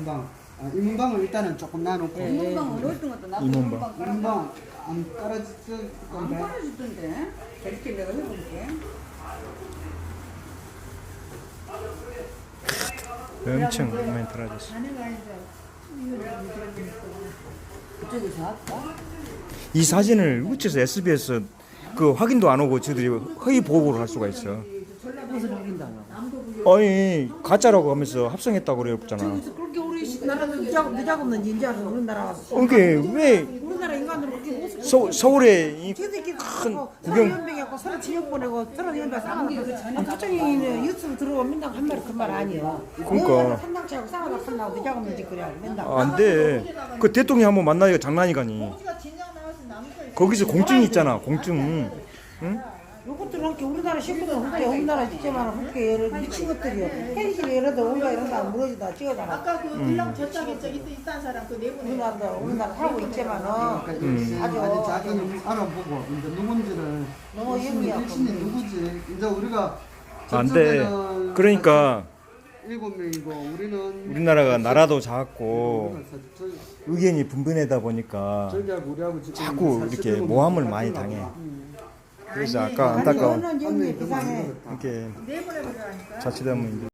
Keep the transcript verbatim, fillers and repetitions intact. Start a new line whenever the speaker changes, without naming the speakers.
이문방. 아, 이문방을 일단은 조금 나놓고.
예.
이문방은 어떤 것도 나도
이문방.
이문방 깔아봐.
이문방 안 깔아줄
안
건데.
깔아주던데. 이렇게 내가 해볼게.
엄청 많이 달아졌어.
그쪽에서 할까?
이 사진을 어째서 에스비에스 그 확인도 안 오고 저들이 허위 보고를 할 수가 있어.
무슨 우긴다고.
아니 가짜라고 하면서 합성했다고 그랬잖아.
그렇게 우리 나라는 누작 누작 없는 인자서 우리나라.
그러니까 왜
우리나라 인간으로 그렇게 못
서, 서울에 이
저새끼
큰
큰
구경-
구경 연병하고 서로 지역 보내고 서로 연병 싸우고 저쪽에는 유튜브 들어오면 맨날 한 말이 그 말 아니야.
그러니까.
산당치하고 싸우다 산다고 누작 없는 짓 그래 맨날.
아, 안 돼. 그 대통령 한번 만나기가 장난이가니. 거기서 공증이 있잖아. 공증. 응?
요것들은 이렇게 우리나라 식구들 그렇게 우리나라 직접만 그렇게 예를 미친 것들이요. 현실 예를 들어 온가 이런 거안 물어주다 찍어다가.
아까 그 빌랑 저쪽에 저기 또 있다는 사람 그 내보내.
우리나라도 우리나라 살고 있지만은
음.
아주
아주 작은 알아보고 이제 누군지를
너무
일신이
영리하고.
일신이 누구지? 이제 우리가
안 돼.
저쪽에는
그러니까
일곱 명이고 우리는
우리나라가 나라도 작고
저-
의견이 분분하다 보니까
저기하고 우리하고 지금
자꾸 이렇게
사십일
모함을
명
많이
같은
당해.
거.
그래서 아까 안타까운
어느 연기 비상해.
이렇게
내보내버리라니까.
자칫하면 이제